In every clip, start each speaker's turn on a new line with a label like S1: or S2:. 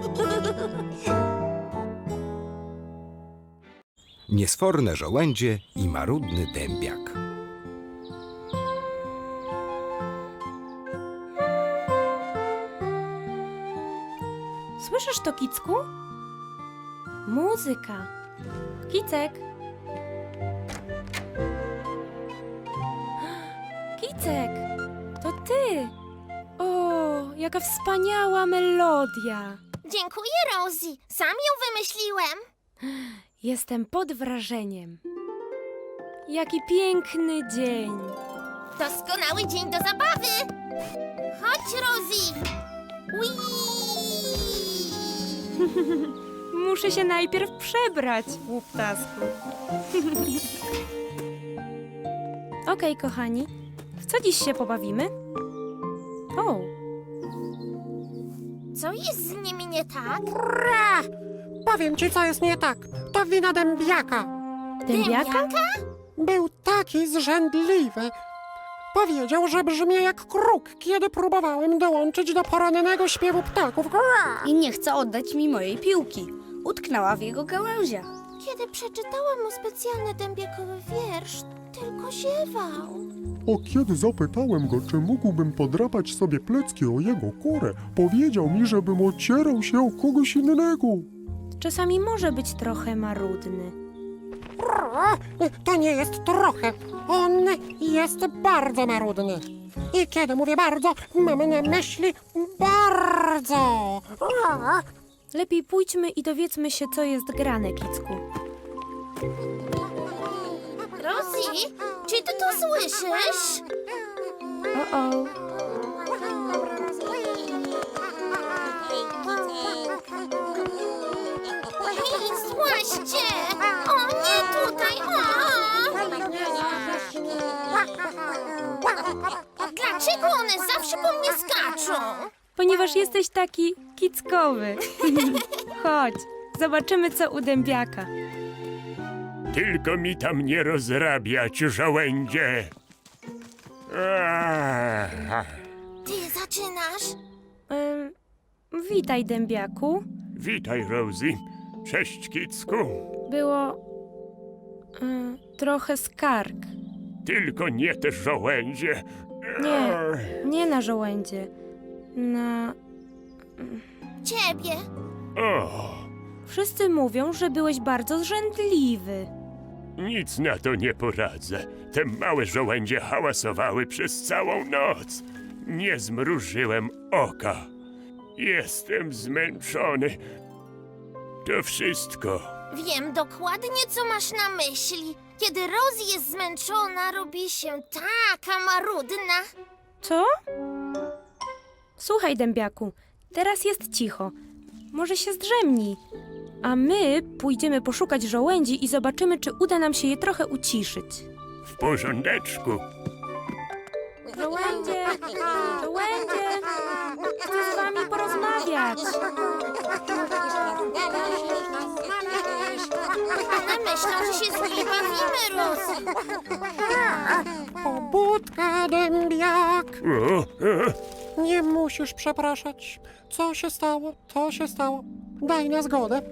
S1: Niesforne żołędzie i marudny dębiak.
S2: Słyszysz to, Kicku? Muzyka. Kicek. Kicek, to ty. O, jaka wspaniała melodia.
S3: Dziękuję, Rosie. Sam ją wymyśliłem.
S2: Jestem pod wrażeniem. Jaki piękny dzień.
S3: Doskonały dzień do zabawy. Chodź, Rosie. Whee!
S2: Muszę się najpierw przebrać, łuptasku. Okej, kochani. W co dziś się pobawimy? O,
S3: Co jest z nimi nie tak?
S4: Powiem ci, co jest nie tak. To wina dębiaka.
S2: dębiaka?
S4: Był taki zrzędliwy. Powiedział, że brzmię jak kruk, kiedy próbowałem dołączyć do porannego śpiewu ptaków.
S5: I nie chce oddać mi mojej piłki. Utknęła w jego gałęziach.
S3: Kiedy przeczytałam mu specjalny dębiakowy wiersz, tylko ziewał.
S6: A kiedy zapytałem go, czy mógłbym podrapać sobie plecki o jego kurę, powiedział mi, żebym ocierał się o kogoś innego.
S2: Czasami może być trochę marudny.
S4: To nie jest trochę. On jest bardzo marudny. I kiedy mówię bardzo, mam na myśli bardzo.
S2: Lepiej pójdźmy i dowiedzmy się, co jest grane, Kicku.
S3: Rosie, czy ty to słyszysz?
S2: O.
S3: Hej, złaście! O, nie tutaj! Dlaczego one zawsze po mnie skaczą?
S2: Ponieważ jesteś taki kickowy. Chodź, zobaczymy, co u dębiaka.
S7: Tylko mi tam nie rozrabiać, żołędzie.
S3: Ty zaczynasz?
S2: Witaj, dębiaku.
S7: Witaj, Rosie. Cześć, Kicku.
S2: Było trochę skarg.
S7: Tylko nie te żołędzie.
S2: Nie na żołędzie. Na...
S3: Ciebie.
S7: O,
S2: Wszyscy mówią, że byłeś bardzo zrzędliwy.
S7: nic na to nie poradzę. Te małe żołędzie hałasowały przez całą noc. Nie zmrużyłem oka. Jestem zmęczony. To wszystko.
S3: Wiem dokładnie, co masz na myśli. Kiedy Rosie jest zmęczona, robi się taka marudna.
S2: Co? Słuchaj, dębiaku, teraz jest cicho. Może się zdrzemnij. A my pójdziemy poszukać żołędzi i zobaczymy, czy uda nam się je trochę uciszyć.
S7: W porządeczku.
S2: Żołędzie! Żołędzie! Chcę z wami porozmawiać.
S3: One myślą, że się z nimi bawimy, Rosie.
S4: Pobudka, dębiak.
S7: O,
S4: Nie musisz przepraszać. Co się stało, to się stało. Daj na zgodę.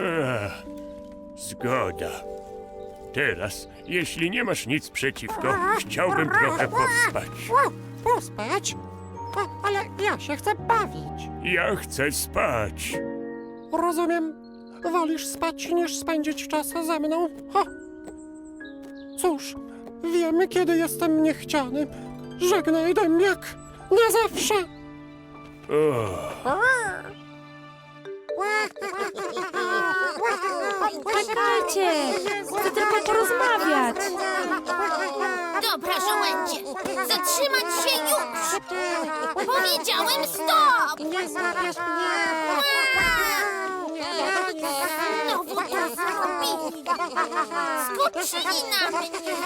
S7: Zgoda. Teraz, jeśli nie masz nic przeciwko, chciałbym trochę pospać.
S4: Pospać? Ale ja się chcę bawić.
S7: Ja chcę spać.
S4: Rozumiem. Wolisz spać, niż spędzić czas ze mną? Cóż, wiemy, kiedy jestem niechciany. Żegnaj, dębiak. Na zawsze.
S2: Czekajcie! Chcę tylko porozmawiać.
S3: Dobra, żołędzie, zatrzymać się już! Powiedziałem stop!
S4: Nie zabierz mnie.
S3: Znowu to zrobili! Skoczyli na mnie!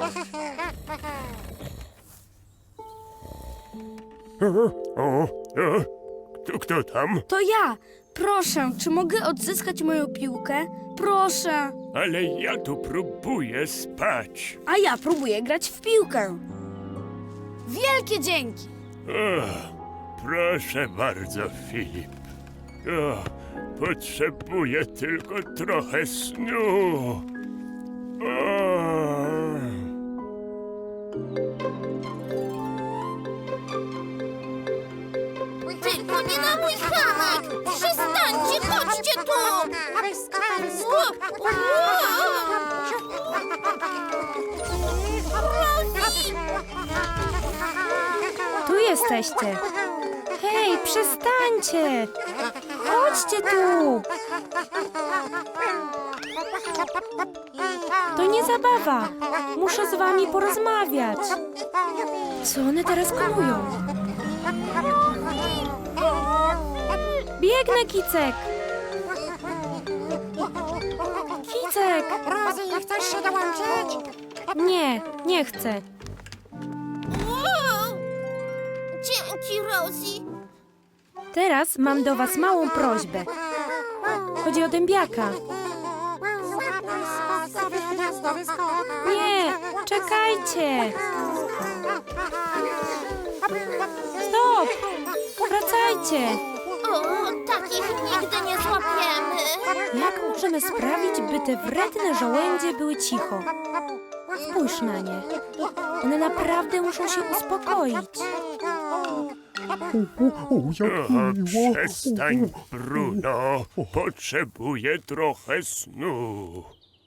S7: Kto tam?
S5: To ja. Proszę, czy mogę odzyskać moją piłkę? Proszę.
S7: Ale ja tu próbuję spać.
S5: A ja próbuję grać w piłkę. Wielkie dzięki.
S7: Proszę bardzo, Filip. O, potrzebuję tylko trochę snu. O.
S3: Tylko nie na mój hamak! Przestańcie, chodźcie tu! Rosie!
S2: Tu jesteście. Hej, przestańcie! Chodźcie tu! To nie zabawa. Muszę z wami porozmawiać. Co one teraz konują? Biegnę, Kicek! Kicek!
S4: Rosie, chcesz się dołączyć?
S2: Nie, nie chcę.
S3: Wow! Dzięki, Rosie.
S2: Teraz mam do was małą prośbę. Chodzi o dębiaka.
S4: Sobie gniazdowy skok.
S2: Nie, czekajcie! Stop! Wracajcie!
S3: O, takich nigdy nie złapiemy.
S2: Jak możemy sprawić, by te wredne żołędzie były cicho? Spójrz na nie. One naprawdę muszą się uspokoić.
S6: Jak
S7: O,
S6: miło.
S7: przestań, Bruno. Potrzebuję trochę snu.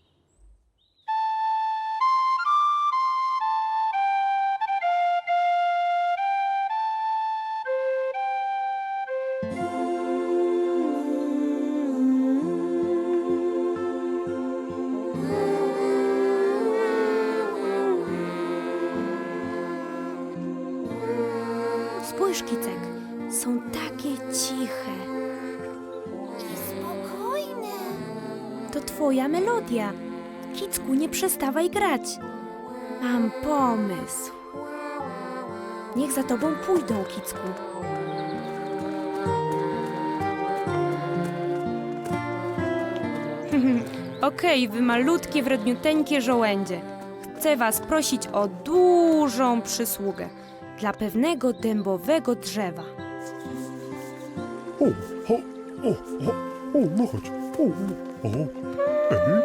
S2: Spójrz, Kicek. Są takie ciche.
S3: I spokojne.
S2: To twoja melodia. Kicku, nie przestawaj grać. Mam pomysł. Niech za tobą pójdą, Kicku. Okej, wy malutkie, wredniuteńkie żołędzie. Chcę was prosić o dużą przysługę dla pewnego dębowego drzewa.
S6: O, no chodź. Ej.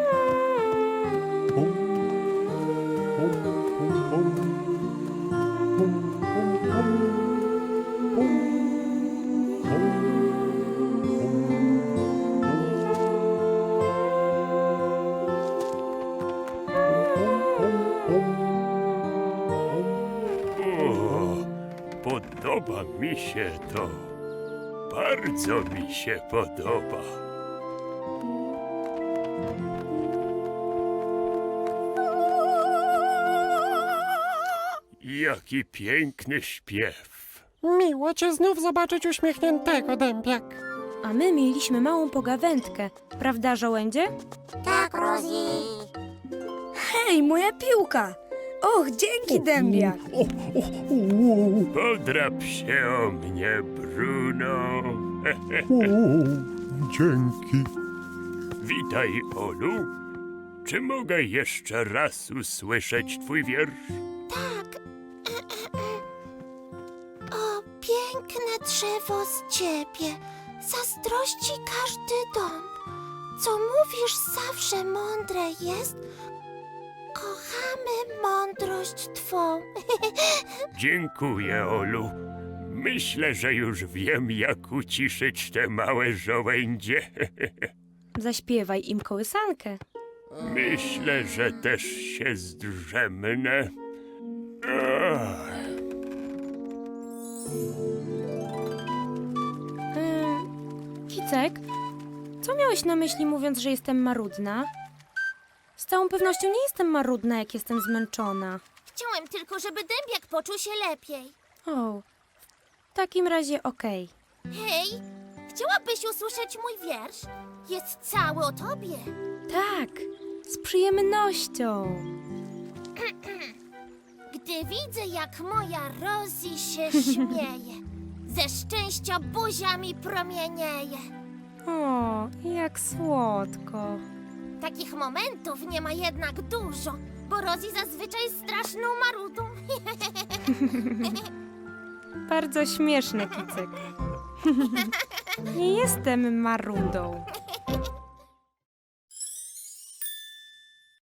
S7: O, podoba mi się to. Bardzo mi się podoba. Jaki piękny śpiew.
S4: Miło cię znów zobaczyć uśmiechniętego, dębiak.
S2: A my mieliśmy małą pogawędkę, prawda, żołędzie?
S4: Tak, Rosie.
S5: Hej, moja piłka! Och, dzięki, dębiak!
S7: Podrap się o mnie, Bruno.
S6: Dzięki.
S7: Witaj, Olu. Czy mogę jeszcze raz usłyszeć twój wiersz?
S3: Tak. O, piękne drzewo z ciebie. Zazdrości każdy dąb. Co mówisz zawsze mądre jest. Kochamy mądrość twą.
S7: Dziękuję, Olu. Myślę, że już wiem, jak uciszyć te małe żołędzie.
S2: Zaśpiewaj im kołysankę.
S7: Myślę, że też się zdrzemnę. Ach.
S2: Kicek, co miałeś na myśli, mówiąc, że jestem marudna? Z całą pewnością nie jestem marudna, jak jestem zmęczona.
S3: Chciałem tylko, żeby dębiak poczuł się lepiej.
S2: O, w takim razie okej.
S3: Hej, chciałabyś usłyszeć mój wiersz? Jest cały o tobie.
S2: Tak, z przyjemnością.
S3: Gdy widzę, jak moja Rosie się śmieje, ze szczęścia buzia mi promienieje.
S2: O, jak słodko.
S3: Takich momentów nie ma jednak dużo, bo Rosie zazwyczaj jest straszną marudą.
S2: Bardzo śmieszne, Kicek. Nie jestem marudą.